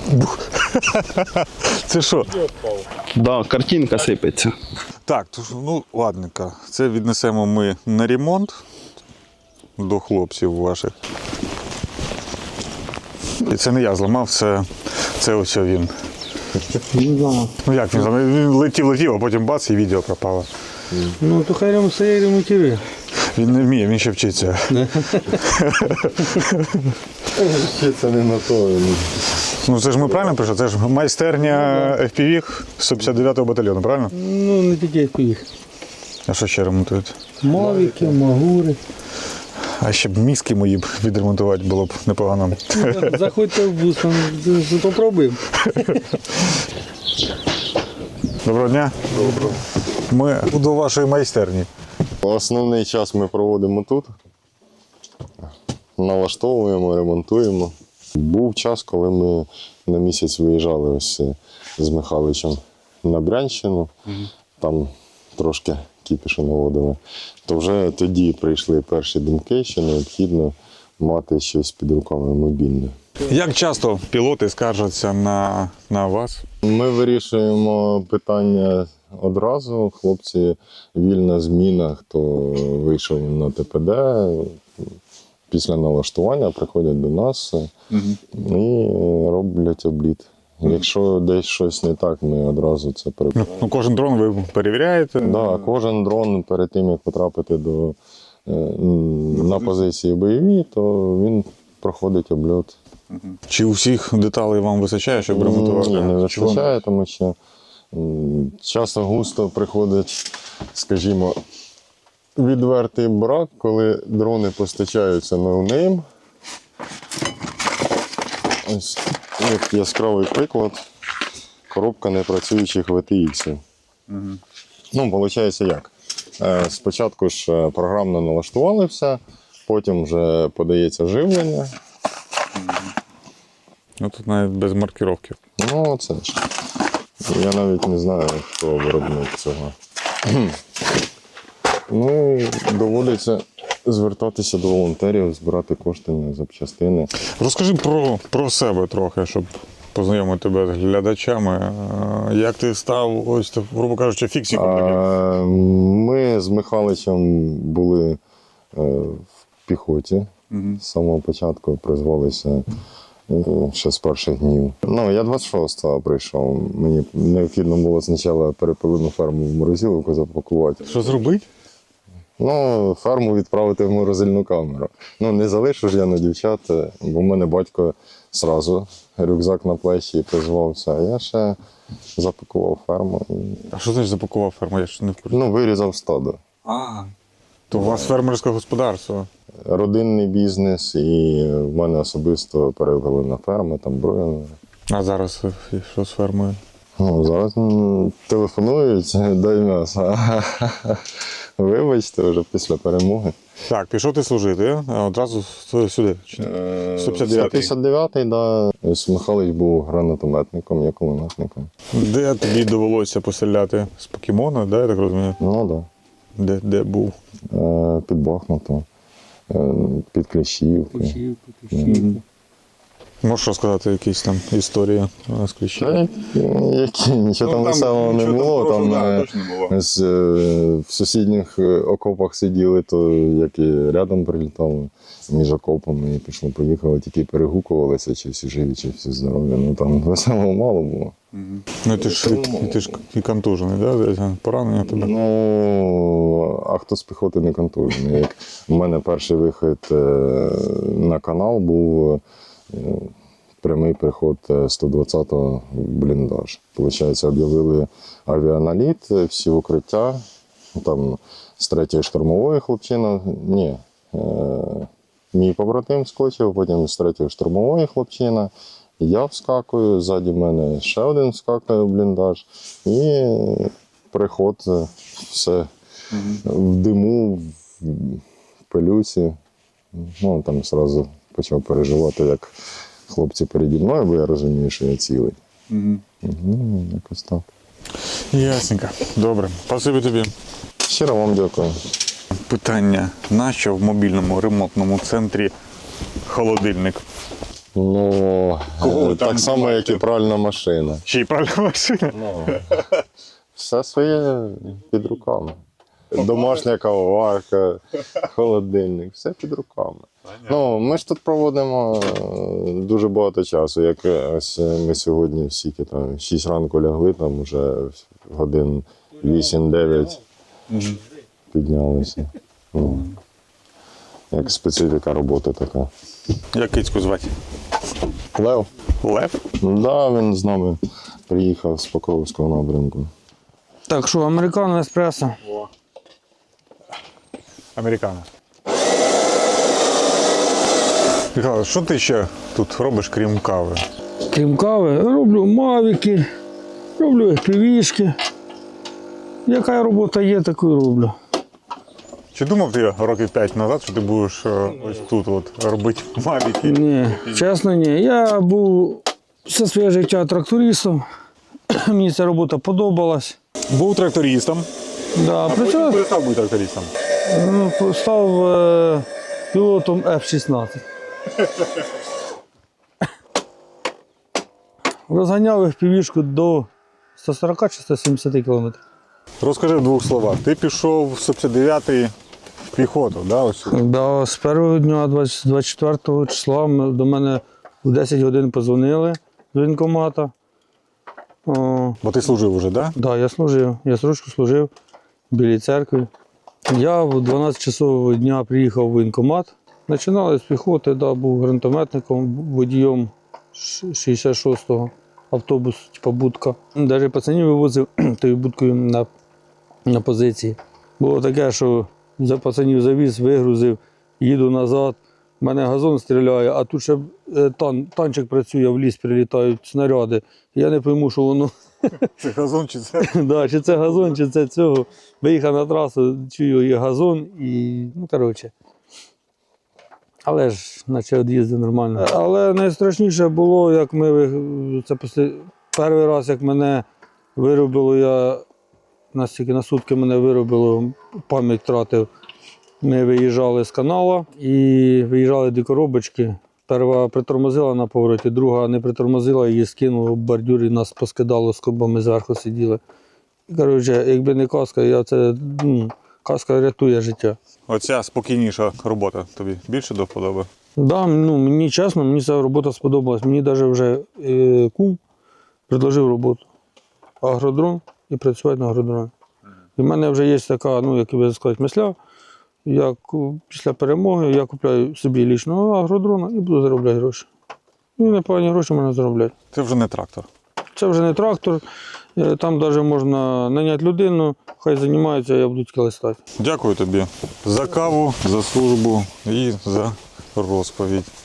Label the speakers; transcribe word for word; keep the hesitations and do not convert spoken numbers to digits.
Speaker 1: Це що?
Speaker 2: Да, картинка сипеться.
Speaker 1: Так, то, ну ладненько. Це віднесемо ми на ремонт до хлопців ваших. І це не я зламав, це, це ось він. Ну як він зламав? Він летів, летів, а потім бац і відео пропало.
Speaker 3: Ну, то хай ремонт все ремонтує.
Speaker 1: Він не вміє, він ще вчиться.
Speaker 4: Це не на то.
Speaker 1: Ну це ж ми правильно прийшли? Це ж майстерня еф пі ві сто п'ятдесят дев'ятого батальйону, правильно?
Speaker 3: Ну, не тільки їх.
Speaker 1: А що ще ремонтують?
Speaker 3: Мавіки, магури.
Speaker 1: А ще б мізки мої б відремонтувати було б непогано.
Speaker 3: Заходьте в бус, попробуємо.
Speaker 1: Доброго дня. Доброго. Ми до вашої майстерні.
Speaker 4: Основний час ми проводимо тут. Налаштовуємо, ремонтуємо. Був час, коли ми на місяць виїжджали ось з Михайловичем на Брянщину. Mm-hmm. Там трошки кіпішу наводили. То вже тоді прийшли перші думки, що необхідно мати щось під руками мобільне.
Speaker 1: Як часто пілоти скаржаться на, на вас?
Speaker 4: Ми вирішуємо питання одразу. Хлопці, вільна зміна, хто вийшов на те пе де, після налаштування приходять до нас угу. і роблять обліт. Угу. Якщо десь щось не так, ми одразу це перевіряємо.
Speaker 1: Ну, кожен дрон ви перевіряєте?
Speaker 4: Так, да, кожен дрон перед тим, як потрапити до, на позиції бойові, то він проходить обльот.
Speaker 1: Чи усіх деталей вам вистачає, щоб ремонтувати?
Speaker 4: Ні, не вистачає, тому що часто густо приходить, скажімо, відвертий брак, коли дрони постачаються ноунейм. Ось як яскравий приклад, коробка непрацюючих ве те іксів. Угу. Ну, виходить як? Спочатку ж програмно налаштували все, потім вже подається живлення.
Speaker 1: Ну тут навіть без маркировки.
Speaker 4: Ну, це ж. Я навіть не знаю, хто виробник цього. Ну, доводиться звертатися до волонтерів, збирати кошти на запчастини.
Speaker 1: Розкажи про, про себе трохи, щоб познайомити тебе з глядачами. Як ти став, ось, грубо кажучи, фіксиком таким?
Speaker 4: Ми з Михайловичем були в піхоті. Угу. З самого початку призвалися ще з перших днів. Ну, я двадцять шостого прийшов. Мені необхідно було спочатку перепилину ферму в морозиловку запакувати.
Speaker 1: Що зробити?
Speaker 4: Ну, ферму відправити в морозильну камеру. Ну, не залишу ж я на дівчат, бо в мене батько одразу рюкзак на плечі призвався, а я ще запакував ферму.
Speaker 1: А що значить запакував ферму? Я ж не в курсі.
Speaker 4: Ну, вирізав стадо.
Speaker 1: А, то у вас фермерське господарство?
Speaker 4: Родинний бізнес, і в мене особисто перевели на ферму, там броєно.
Speaker 1: А зараз що з фермою?
Speaker 4: Ну, зараз м, телефонують, дай м'ясо. Вибачте, вже після перемоги.
Speaker 1: Так, пішов ти служити, а одразу сюди? сто п'ятдесят дев'ятий?
Speaker 4: сто п'ятдесят дев'ятий, да. Михайлович був гранатометником, я кулеметником.
Speaker 1: Де тобі довелося постріляти? З покемона, да, я так розумію?
Speaker 4: Ну, так. Да.
Speaker 1: Де, де був?
Speaker 4: Е, під Бахмутом, е, під Кліщівки.
Speaker 3: Кліщівки, Кліщівки.
Speaker 1: Можеш розказати якісь там історії з Кліщівки?
Speaker 4: Які, нічого ну, там веселого не було. Там, там було. З, в сусідніх окопах сиділи, то як і рядом прилітали між окопами і пішло-поїхало, тільки перегукувалися, чи всі живі, чи всі здорові. Ну там веселого мало було.
Speaker 1: Угу. Ну ти ж, і, ти ж і контужений, да? Поранення тебе?
Speaker 4: Ну, а хто з піхоти не контужений? Як у мене перший вихід на канал був прямий приход сто двадцятого в бліндаж. Получається, об'явили авіаналіт, всі укриття, там з третьої штурмової хлопчина, ні, е, мій побратим скочив, потім з третьої штурмової хлопчина, я вскакую, ззаді мене ще один вскакує в бліндаж, і приход, все в диму, в пилюці, ну там одразу почав переживати, як хлопці переді мною, бо я розумію, що я цілий. Угу. Угу, якось так.
Speaker 1: Ясненько. Добре. Спасибі тобі.
Speaker 4: Щиро вам дякую.
Speaker 1: Питання. Нащо в мобільному ремонтному центрі холодильник?
Speaker 4: Ну,
Speaker 1: Кого
Speaker 4: е,
Speaker 1: там
Speaker 4: так само, як і пральна машина.
Speaker 1: Ще й пральна машина.
Speaker 4: Ну, все своє під руками. Домашня кавоварка, холодильник, все під руками. Ну, ми ж тут проводимо е, дуже багато часу. Як ось ми сьогодні всі там шість ранку лягли, там вже годин вісім-дев'ять піднялися. Ну, як специфіка роботи така.
Speaker 1: Як кицьку звати?
Speaker 4: Лев?
Speaker 1: Лев?
Speaker 4: Да, він з нами приїхав з Покровського напрямку.
Speaker 3: Так що, американо, еспресо.
Speaker 1: Американо. Михайло, що ти ще тут робиш, крім кави?
Speaker 3: Крім кави, роблю мавіки, роблю півішки. Яка робота є, таку і роблю.
Speaker 1: Чи думав ти років п'ять назад, що ти будеш е, ось тут от робити мавіки?
Speaker 3: Ні, чесно, ні. Я був все своє життя трактористом. Мені ця робота подобалась.
Speaker 1: Був трактористом,
Speaker 3: Да,
Speaker 1: а потім
Speaker 3: причому
Speaker 1: перестав бути трактористом.
Speaker 3: ну, став е, пілотом еф шістнадцять. Розганяв їх півішку до сто сорок чи сто сімдесят кілометрів.
Speaker 1: Розкажи в двох словах. Ти пішов в сто п'ятдесят дев'ятий в піхоту, да, ось сюди?
Speaker 3: Да, з першого дня, двадцять четвертого числа, ми- до мене в десять годин подзвонили з воєнкомата. О,
Speaker 1: Бо ти служив уже, да?
Speaker 3: да, я служив. Я срочку служив в Білій церкві. Я в дванадцять часов дня приїхав в воєнкомат. Починали з піхоти, да, був гранатометником, водієм ш- шістдесят шостого автобус, типу будка. Навіть пацанів вивозив тою будкою на, на позиції. Було таке, що за пацанів завіз, вигрузив, їду назад. У мене газон стріляє, а тут ще е, тан, танчик працює, в ліс прилітають снаряди. Я не пойму, що воно.
Speaker 1: Це газон чи це?
Speaker 3: Да, чи це газон, чи це цього. Виїхав на трасу, чую, є газон і, ну, коротше. Але ж, наче від'їзди нормально. Але найстрашніше було, як ми, ви- це після, перший раз, як мене виробило, я, настільки на сутки мене виробило, пам'ять втратив. Ми виїжджали з каналу і виїжджали до коробочки. Перша притормозила на повороті, друга не притормозила, її скинуло в бордюр і нас поскидало, з кобами зверху сиділи. І, коротше, якби не каска, я це, ну, каска рятує життя.
Speaker 1: Оця спокійніша робота тобі більше до вподоби?
Speaker 3: Да, ну, мені чесно, мені ця робота сподобалась. Мені навіть вже е, кум предложив роботу. Агродрон і працювати на агродроні. І в мене вже є така, ну, як би сказати, мисля. Я ку- після перемоги я купляю собі лічного агродрона і буду заробляти гроші. І непогані гроші можна заробляти.
Speaker 1: Це вже не трактор.
Speaker 3: Це вже не трактор, е, там навіть можна наняти людину, хай займається, я буду тільки листати.
Speaker 1: Дякую тобі за каву, за службу і за розповідь.